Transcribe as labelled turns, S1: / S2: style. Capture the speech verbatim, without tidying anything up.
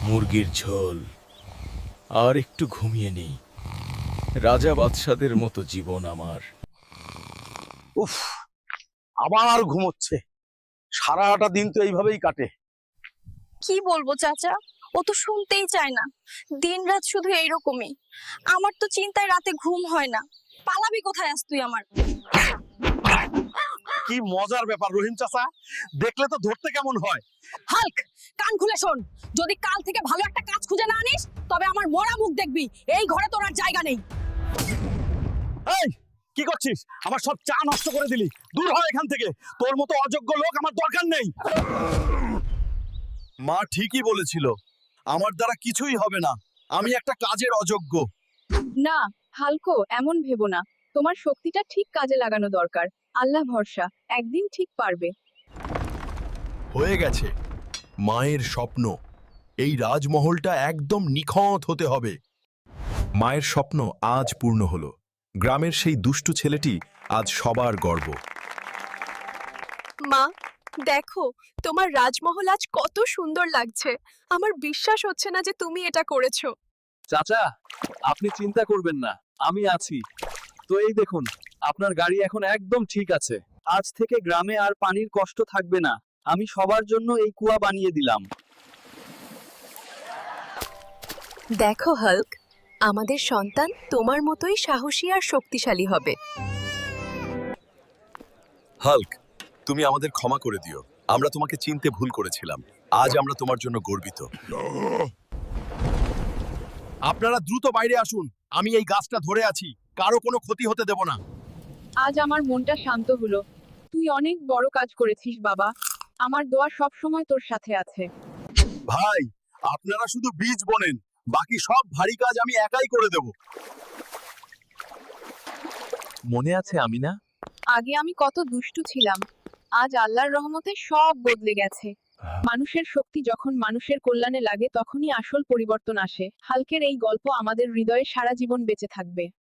S1: মুরগির ঝোল আর একটু ঘুমিয়ে নেই। রাজা বাদশাদের মতো জীবন আমার।
S2: উফ, আবার ঘুমোচ্ছে। সারাটা দিন তো এইভাবেই কাটে।
S3: কি বলবো চাচা, ও তো শুনতেই চায় না। দিনরাত শুধু এইরকমই। আমার তো চিন্তায় রাতে ঘুম হয় না। পালাবি কোথায় আস তুই আমার?
S2: কি মজার ব্যাপার রহিম চাচা, দেখলে তো ধরতে কেমন হয়।
S3: হাল্ক, কান খুলে শোন। যদি কাল থেকে ভালো একটা কাজ খুঁজে না আনিস, তবে আমার মরা মুখ দেখবি। এই ঘরে তোর আর জায়গা নেই।
S2: এই কি করছিস? আমার সব চা নষ্ট করে দিলি। দূর হ এখান থেকে। তোর মতো অযোগ্য লোক আমার দরকার নেই। মা ঠিকই বলেছিল, আমার দ্বারা কিছুই হবে না। আমি একটা কাজের অযোগ্য।
S4: না হালকো, এমন ভেবো না। তোমার শক্তিটা ঠিক কাজে লাগানো দরকার। আল্লাহ ভরসা, একদিন ঠিক পারবে।
S5: হয়ে গেছে। মায়ের স্বপ্ন, এই রাজমহলটা একদম নিখঁত হতে হবে। মায়ের স্বপ্ন আজ পূর্ণ হলো। গ্রামের সেই দুষ্টু ছেলেটি আজ সবার গর্ব।
S3: মা, দেখো তোমার রাজমহল আজ কত সুন্দর লাগছে। আমার বিশ্বাস হচ্ছে না যে তুমি এটা করেছো।
S6: চাচা, আপনি চিন্তা করবেন না, আমি আছি। তো এই দেখুন, আপনার গাড়ি এখন একদম ঠিক আছে। আজ থেকে গ্রামে আর পানির কষ্ট থাকবে না। আমি সবার জন্য এই কুয়া বানিয়ে দিলাম।
S3: দেখো হাল্ক, আমাদের সন্তান তোমার মতোই সাহসী আর শক্তিশালী হবে।
S5: হাল্ক, তুমি আমাদের ক্ষমা করে দিও। আমরা তোমাকে চিনতে ভুল করেছিলাম। আজ আমরা তোমার জন্য গর্বিত। আপনারা দ্রুত বাইরে আসুন। আমি এই গাছটা ধরে আছি, কারো কোনো ক্ষতি হতে দেব না।
S4: আজ আমার মনটা শান্ত হলো। তুই অনেক বড় কাজ করেছিস বাবা। আমার দোয়া সব সময় তোর সাথে আছে।
S5: ভাই, আপনারা শুধু বীজ বোনেন, বাকি সব ভারী কাজ আমি একাই করে দেব।
S6: মনে আছে আমিনা?
S4: আগে আমি কত দুষ্টু ছিলাম। আজ আল্লাহর রহমতে সব বদলে গেছে। মানুষের শক্তি যখন মানুষের কল্যাণে লাগে তখনই আসল পরিবর্তন আসে। হালকের এই গল্প আমাদের হৃদয়ে সারা জীবন বেঁচে থাকবে।